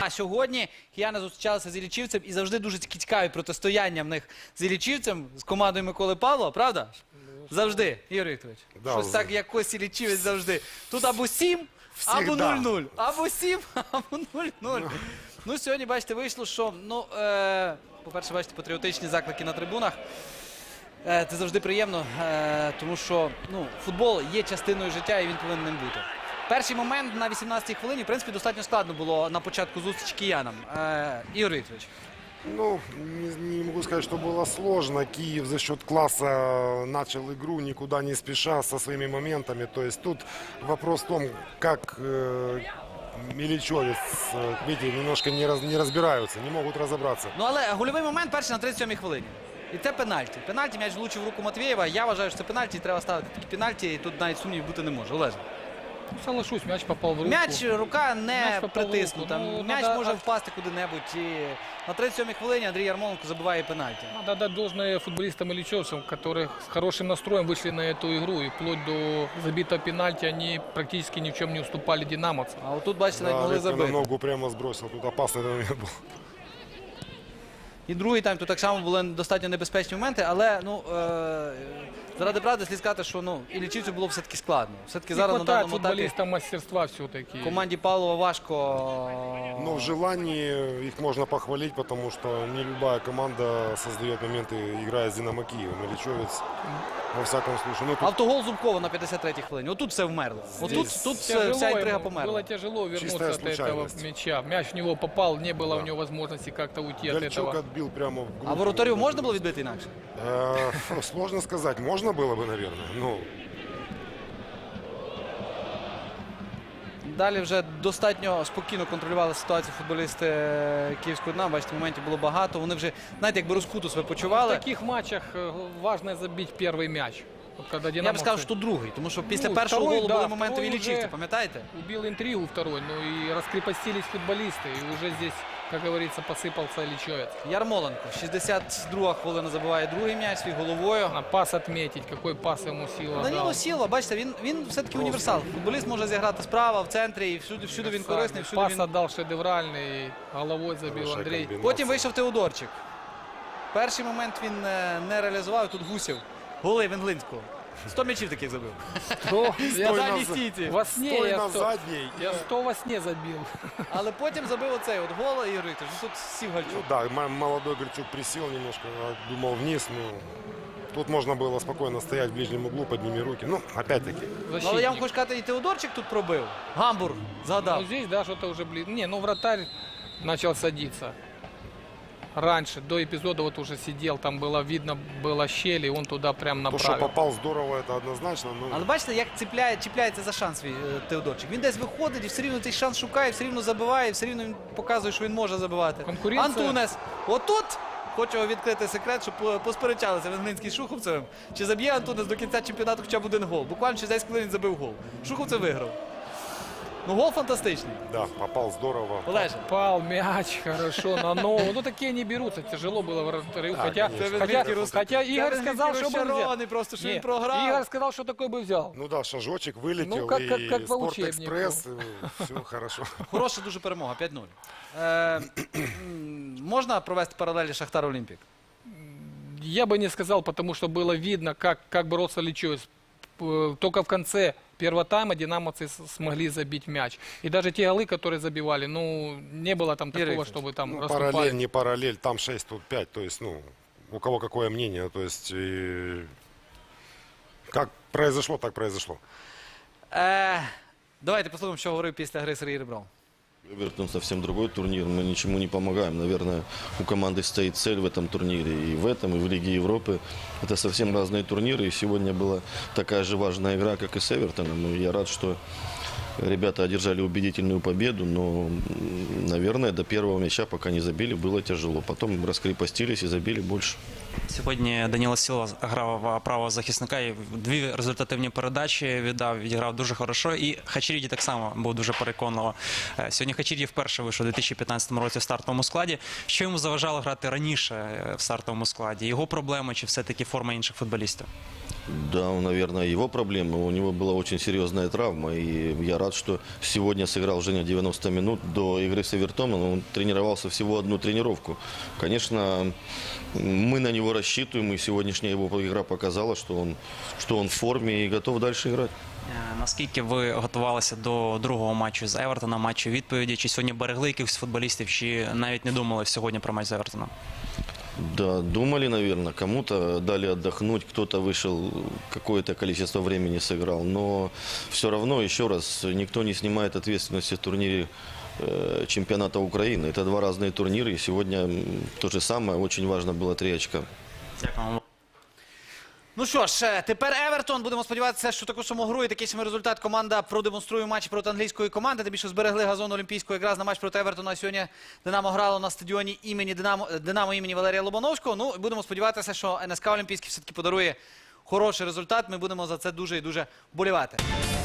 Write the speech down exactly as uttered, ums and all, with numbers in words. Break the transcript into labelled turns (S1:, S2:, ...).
S1: А сьогодні кияни зустрічалися з Іллічівцем і завжди дуже цікаві протистояння в них з Іллічівцем, з командою Миколи Павлова, правда? Завжди, Ігор Вікторович.
S2: Да,
S1: Щось
S2: з-
S1: так, якось Іллічівець завжди. Тут або сім, або
S2: Всегда.
S1: нуль-нуль. Або сім, або нуль-нуль. Ну, сьогодні, бачите, вийшло, що, ну, е, по-перше, бачите, патріотичні заклики на трибунах. Е, це завжди приємно, е, тому що, ну, футбол є частиною життя і він повинен ним бути. Перший момент на вісімнадцятій хвилині, в принципі, достатньо складно було на початку зустрічі киянам. Е, Ігор Вікторович.
S2: Ну, не, не могу сказать, что было сложно. Киев за счет класса начал игру, никуда не спеша, со своими моментами. То есть тут вопрос в том, как э, Миличевец, э, видите, немножко не, раз, не разбираются, не могут разобраться.
S1: Ну, але гольовий момент перший на тридцять сьомій хвилині. І це пенальті. Пенальті, м'яч влучив в руку Матвєєва. Я вважаю, що це пенальті, і треба ставити такі пенальті, і тут навіть сумнівів бути не може. Олеже.
S3: Соглашусь, мяч попал в руку.
S1: М'яч, рука не
S3: М'яч попав в
S1: притиснута.
S3: руку. Ну,
S1: М'яч
S3: надо-
S1: може впасти куди-небудь. І на тридцять сьомій хвилині Андрій Ярмоленко забиває пенальті.
S3: Надо дать должное футболистам и личевцам, которые с хорошим настроем вышли на эту игру. И вплоть до забитого пенальти они практически ни в чем не уступали динамовцам.
S1: А отут, бачите, навіть
S2: Да,
S1: могли
S2: Репка на
S1: забити.
S2: ногу прямо сбросил, тут опасный момент был.
S1: І другий тайм, тут так само були достатньо небезпечні моменти, але, ну, е, заради правди слід сказати, що, ну, Іллічівцю було все-таки складно. Все-таки
S3: Не
S1: зараз на
S3: хватает
S1: даному етапі
S3: футболистам мастерства все-таки.
S1: команді Павлова важко.
S2: Но в желании их можно похвалить, потому что не любая команда создает моменты, играя с Динамо Киевом. Миличевец, во всяком случае. Ну, тут
S1: Автогол Зубкова на п'ятдесят третій хвилині. Отут все вмерло. Отут
S2: Здесь
S1: тут все-
S3: Тяжело
S1: вся інтрига
S3: ему,
S1: померла.
S3: было тяжело вернуться
S2: Чистая
S3: от этого
S2: случайность.
S3: мяча. Мяч в него попал, не было
S2: Да.
S3: у него возможности как-то уйти от
S2: Гальчук
S3: этого.
S2: отбил прямо в
S1: А
S2: грудь.
S1: воротарю можна було відбити інакше?
S2: Э, Сложно сказать. Можно было бы, наверное. Ну,
S1: Далі вже достатньо спокійно контролювали ситуацію футболісти Київського Дна. Бачите, моментів було багато. Вони вже, знаєте, якби розкуту себе
S3: В
S1: почували.
S3: таких матчах э, важно забить первый мяч. Вот когда
S1: Я б сказав,
S3: динамовцы-
S1: що тут другий, тому що після
S3: Ну,
S1: першого
S3: второй,
S1: голу
S3: да,
S1: були моменти
S3: второй
S1: Іллічівця,
S3: уже-
S1: пам'ятаєте?
S3: Убил интригу второй, ну и раскрепостились футболисты. И уже здесь, как говорится, посыпался Личевец.
S1: Ярмоленко, шістдесят друга хвилина забиває другий м'яч свій головою.
S3: А пас отметить, какой пас ему сила
S1: Даніло
S3: дал.
S1: Сілва, бачите, він, він все-таки універсал. Футболіст може зіграти справа, в центрі, і всюди, всюди він корисний, всюди
S3: Пас
S1: він...
S3: отдал шедевральный, головой забил
S2: Хорошая
S3: Андрей.
S2: комбинация.
S1: Потім вийшов Теодорчик. Перший момент він е, не реалізував, тут Гусів. Голи Венглинського. сто м'ячів таких забив.
S3: Сто- я
S1: На
S2: на
S1: задній
S2: за-
S1: стійці.
S3: во сне
S2: стой
S3: я
S2: на
S3: сто,
S2: задней.
S3: я сто во сне забил.
S1: Але потім забив оцей от гол, Ігор Вікторович. Ну, тут сів
S2: Ну
S1: Гальчук.
S2: да, м- молодой Гальчук присел немножко, а, думал вниз. Ну, тут можно было спокойно стоять в ближнем углу, подними руки. Ну, опять-таки.
S1: Ну, але я вам
S3: Защитник.
S1: хочу сказати, і Теодорчик тут пробив. Гамбург згадав.
S3: Ну, здесь, да, что-то уже блин. Не, ну вратарь начал садиться. Раньше, до эпизода вот уже сидел, там было видно, было щели, он туда прям
S2: То, что
S3: направил.
S2: попал здорово, это однозначно. Ну,
S1: Але бачите, як ціпляє, чіпляється за шанс свій е, Теодорчик. Він десь виходить і все рівно цей шанс шукає, все рівно забиває, все рівно він показує, що він може забивати.
S3: Конкуренція.
S1: Антунес. Отут хочу відкрити секрет, щоб по- посперечалися Венгринський з Шуховцевим. Чи заб'є Антунес до кінця чемпіонату хоча б один гол. Буквально через десять хвилин він забив гол. Шуховцев виграв. Ну, гол фантастичний.
S2: да, попал здорово.
S1: Олеже.
S3: Пал мяч, хорошо, на ногу. Ну такие не берутся, тяжело было вратарю.
S2: Да,
S3: Хотя,
S2: конечно.
S3: хотя,
S1: Це
S3: хотя Игорь
S1: Венгринський
S3: сказал, что бы взял.
S1: розчарований просто, що
S3: Не,
S1: він програв.
S3: Игорь сказал, что такой бы взял.
S2: Ну да, шажочек вылетел,
S3: Ну, как- как-
S2: и
S3: как по
S2: Спортэкспресс, все хорошо.
S1: Хороша дуже перемога, п'ять нуль. Е, м, можна провести паралелі Шахтар Олімпік?
S3: Я бы не сказал, потому что было видно, как, как боролся Личевец. П- Только в конце первого тайма динамовцы с- смогли забить мяч. И даже те голы, которые забивали, ну, не было там такого,
S1: Викторович,
S3: чтобы там
S2: Ну,
S3: расступали.
S2: параллель, не параллель, там шесть, тут пять. То есть, ну, у кого какое мнение. То есть, и как произошло, так произошло.
S1: Е, давайте послухаємо, що говорив після гри Сергій Ребров.
S4: Эвертон совсем другой турнир, мы ничему не помогаем. Наверное, у команды стоит цель в этом турнире, и в этом, и в Лиге Европы. Это совсем разные турниры, и сегодня была такая же важная игра, как и с Эвертоном. И я рад, что ребята одержали убедительную победу, но, м, наверное, до первого мяча, пока не забили, было тяжело. Потом раскрепостились и забили больше.
S5: Сьогодні Даніло Сілва грав правого захисника і дві результативні передачі віддав, відіграв дуже хорошо. І Хачеріді так само був дуже переконливо. Е, Сьогодні Хачеріді вперше вийшов у дві тисячі п'ятнадцятому році в стартовому складі. Що йому заважало грати раніше е, в стартовому складі? Його проблеми чи все-таки форма інших футболістів?
S4: Да, наверное, его проблемы. У него была очень серьезная травма. И я рад, что сегодня сыграл Женя девяносто минут. До игры с Эвертоном он тренировался всего одну тренировку. Конечно, мы на него рассчитываем. И сегодняшняя его игра показала, что он, что он в форме и готов дальше играть.
S5: Е, Наскільки ви готувалися до другого матчу з Евертоном, матчу відповіді? Чи сьогодні берегли якихось футболістів, чи навіть не думали сьогодні про матч з Евертоном?
S4: Да, думали, наверное, кому-то дали отдохнуть, кто-то вышел, какое-то количество времени сыграл. Но все равно, еще раз, никто не снимает ответственности в турнире э, чемпионата Украины. Это два разные турнира, и сегодня м, то же самое. Очень важно было три очка.
S5: Дякую.
S1: Ну що ж, е, тепер Евертон. Будемо сподіватися, що таку саму гру і такий самий результат команда продемонструє в матчі проти англійської команди. Тим більше зберегли газон олімпійського якраз на матч проти Евертона. Сьогодні Динамо грало на стадіоні імені Динамо, Динамо імені Валерія Лобановського. Ну, і будемо сподіватися, що ен ес ка Олімпійський все-таки подарує хороший результат. Ми будемо за це дуже і дуже вболівати.